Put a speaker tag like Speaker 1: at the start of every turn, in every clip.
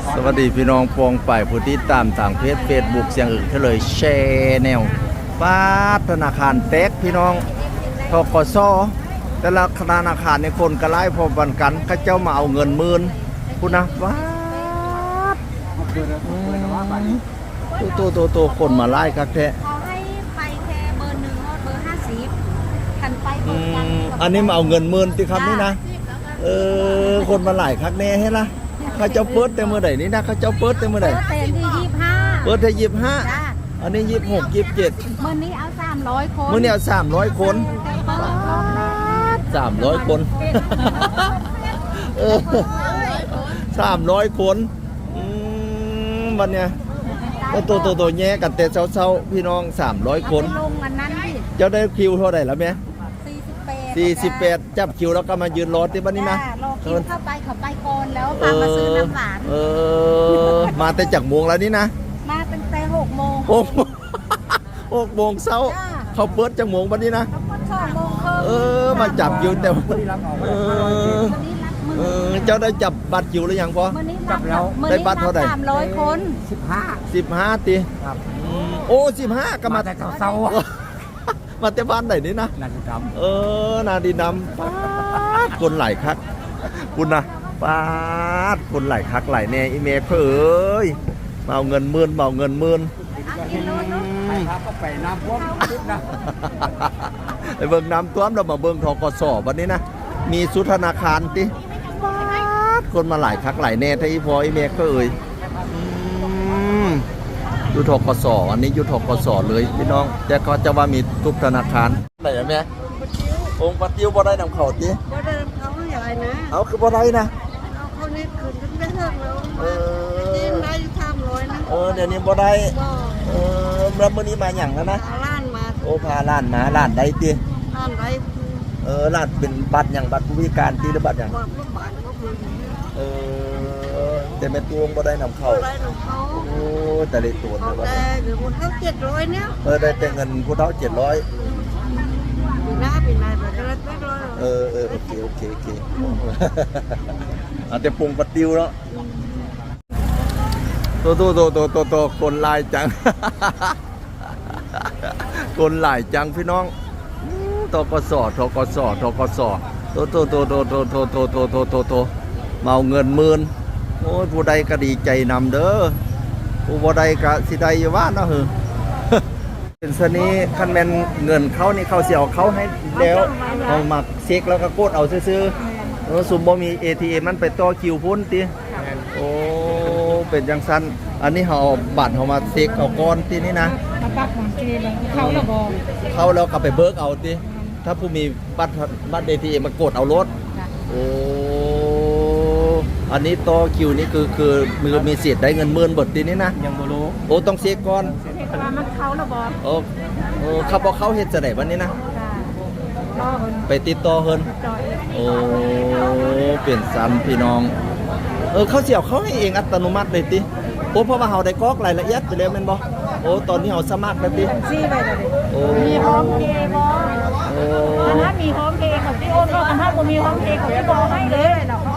Speaker 1: สวัสดีพี่น้องปองไปผู้ที่ตามทางเพจเฟซบุ๊กเสียงอึ่งเฉลยแชร์แนวป้าธนาคารเต็กพี่น้องทกสแต่ละธนาคารในคนกระไล่พอบันกันก็เจ้ามาเอาเงินหมื่นคุณนะป้าตัวคนมาไล่ครับแท้
Speaker 2: เขาให้ไปแค่เบอร์1เบอร์50คันไปเบอร์กัน
Speaker 1: อันนี้มาเอาเงินหมื่นที่คำนี้นะคนมาหลายคักแน่ให้ละข้าเจ้าเปิดแต่เมื่อไหร่นี่นะข้าเจ้าเปิดแต่เมื่อไหร่
Speaker 2: เปิดที่25
Speaker 1: เปิดที่25อันนี้26 27
Speaker 2: มื้อนี้เอา300คน
Speaker 1: มื้อนี้เอา300 คน300 คน300 คนวันเนี้ยตัวแย่กันแต่เช้าพี่น้อง300 คน
Speaker 2: ลงอันนั้นดิ
Speaker 1: เจ้าได้คิวเท่าไหร่แล้วแม่
Speaker 2: 48
Speaker 1: จับคิวแล้วก็มายืนรอที่บ้านนี้นะ
Speaker 2: รอคิวเข้าไปเขาไปก่อนแล้วพามาซื้อน้ำหวาน
Speaker 1: มาแต่จากโมงแล้วนี่นะ
Speaker 2: มาตั้งแต่6 โมง
Speaker 1: 6 โมงเช้าเขาเปิดจากโมงบ้านนี้นะ
Speaker 2: 2 โมง
Speaker 1: มาจับคิวแต่เจ้าได้จับบัตรคิวหรือยังพ่อ
Speaker 2: จับแล้ว
Speaker 1: ได้บัตรเท่าไหร่
Speaker 2: 300 คน
Speaker 1: 15ตีโอ้15ก็มา
Speaker 3: แต่เช้า
Speaker 1: มาแต่บ้านไหนนี่นะ
Speaker 3: นาดีด
Speaker 1: ำนาดีดำคนหลายคักคุณนะป้าคนหลายคักหลายแน่อีเมลเอ้ยมาเอาเงินหมื่น
Speaker 3: ไปครับก็ไปน้ำท่วมทุกนะ
Speaker 1: ไปเบิ่งน้ำท่วมเรามาเบิ่งทกสวันนี้นะมีสุธนาคารติคนมาหลายคักหลายแน่ที่พออีเมลเอ้ยยุทธกสอันนี้ยุทธกสเลยพี่น้องแต่เขาจะว่ามีทุกธนาคารไหนแม่องค์ปฏิวบ่ได้นำเขาติ
Speaker 2: บ่ได้เขาใหญ่นะ
Speaker 1: เอาคือบ่ได้นะ
Speaker 2: เอาเขานี่คืนได้เท่าแล้วเต็มได้300นะ
Speaker 1: เดี๋ยวนี้บ่ได้แล้วมื้อนี้มาหยังแล้วนะ
Speaker 2: ล้านมา
Speaker 1: โอ้พาล้านมาล้านใดติ
Speaker 2: ล้านใด
Speaker 1: ล้านเป็นบัตรหยังบัตรผู้พิการติหรือบัตรหยังแต่แม่ตวงบ่ได้นำเขาโอ้แต่ได้ตัวนะว่า
Speaker 2: แต่เดี๋ยวคนเท่า700เนี่ย
Speaker 1: ได้แต่เงินผู้เฒ่า700
Speaker 2: ปีหน้าแบบจะได้800
Speaker 1: โอเคแต่ปรุงปะติวเนาะตัวคนหลายจังคนหลายจังพี่น้องทกสตัวมาเอาเงินหมื่นโอ้ยผู้ใดก็ดีใจนำเด้อผู้บ่ใดก็สิได้อยู่ว่าเนาะเป็นสนี้คันแม่นเงินเขานี่เขาสิเอาเขาให้แล้วเอามาเช็คแล้วก็กดเอาซื่อๆสุ่มบ่มี ATM มันไปต่อคิวพุ่นติโอ้เป็นจังซั่นอันนี้เฮาเอาบัตรเฮามาเช็คเอาก่อนตินี่นะ
Speaker 2: บัตรของเกเขาแล้วบ่
Speaker 1: เขาแล้วก็ไปเบิกเอาติถ้าผู้มีบัตร ATM มากดเอารถโอ้อันนี้ต่อคิวนี่คือมีสิทธิ์ได้เงินหมื่นบททีนี้นะ
Speaker 3: ยังบ่รู้
Speaker 1: โอ้ต้องเช็คก่อน
Speaker 2: เช็คว่ามันเขาแล้วบ่
Speaker 1: เขาบอกเขาเฮ็ดจะไหนวันนี้นะไปติดต่อเฮินโอ้เปลี่ยนซ้ำพี่น้องเขาเสียเขาให้เองอัตโนมัติเลยติโอ้เพราะว่าเฮาได้กรอกรายละเอียดไปแล้วแม่นบ่โอ้ตอนนี้เฮาสมัครแล้วติ
Speaker 2: ซี่ไปแล้วดิมีโฮมเพย์บ่ถ้ามีโฮมเพย์เขาสิโอนก็ถ้าบ่มีโฮมเพย์เขาสิบ่ให้เลยเนาะ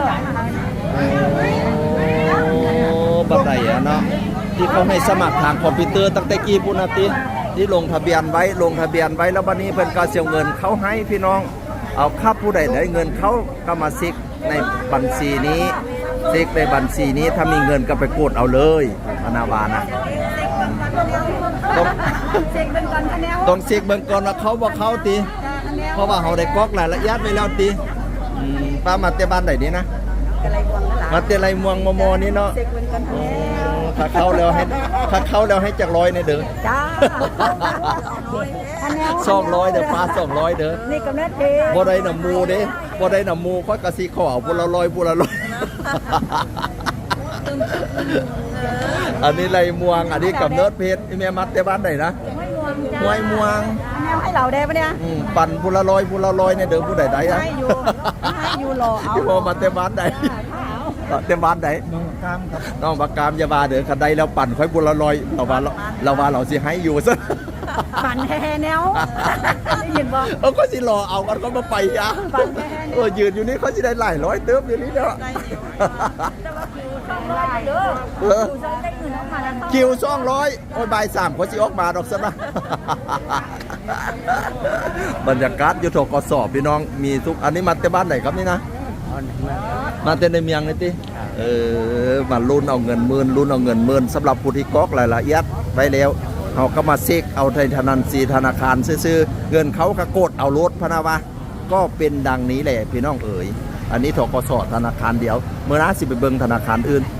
Speaker 1: บัดใดเนาะที่เขาให้สมัครทางคอมพิวเตอร์ตั้งแต่กี่ปุ่นนาทีที่ลงทะเบียนไว้แล้วบัดนี้เพิ่นก็เสียเงินเขาให้พี่น้องเอาคับผู้ใดได้เงินเขาก็มาซิกในบัญชีนี้ซิกในบัญชีนี้ถ้ามีเงินก็ไปกดเอาเลยอนาวานะต้องเช็คเบิ่งก่อนว่าเขาบ่เขาติเพราะว่าเฮาได้กรอกรายละเอียดไว้แล้วติป้ามาแต่บ้านไหนนี่นะมาแต่ไรม่วงมอนี่เนาะถ้าเข้าแล้วให้จาก100เนี่ยเด้อ
Speaker 2: จ้า
Speaker 1: 200เด้อป้า200เด้อ
Speaker 2: นี่กำนัดเด้
Speaker 1: บ่ได้น้ำมูเด้บ่ได้น้ำมูค่อยก็สิขอเอาพุ่นละ100อันนี้ไรม่วงอันนี้กำเนิดเพชรแม่มัดแต่บ้านไหนนะห้วยม่วง
Speaker 2: ให้เราได้ปะเนี่ย
Speaker 1: ปั่นพุ่นละ100เนี่ยเด้อผู้ใดได้
Speaker 2: ให้อยู่รอเอา
Speaker 1: ที่พอมาแต่บ้านใดเต็มบ้านไหนน้องปากกามอย่าว่าเด้อคันใดแล้วปั่นค่อยบุญละลอยเราว่าเราสิให้อยู่ซะ
Speaker 2: ฝันแท้แนวได้ยินบ่
Speaker 1: ก็สิรอเอากันก็มาไปยะยืนอยู่นี่เขาสิได้หลายร้อยเติมอยู่นี่เนาะ
Speaker 2: แต่ว่าคิวช่องร้อยเด้อคิวช่องได้เงินออกมาแล้ว
Speaker 1: คิว200โอ้ยบ่าย3เขาสิออกมาดอกซะนะ บรรยากาศอยู่ทกสพี่น้องมีทุกอันนี้มาแต่บ้านไหนครับนี่นะมาแต่ในเมียงนี่ติมาลุ้นเอาเงินหมื่นลุ้นเอาเงินหมื่นสำหรับผู้ที่กอกรายละเอียดไว้แล้วเขาก็มาเช็คเอาในธนาคารซื้อเงินเขาก็กดเอารถพะนะวะก็เป็นดังนี้แหละพี่น้องเอ๋ยอันนี้ทกสธนาคารเดียวเมื่อน้าสิไปเบิ่งธนาคารอื่น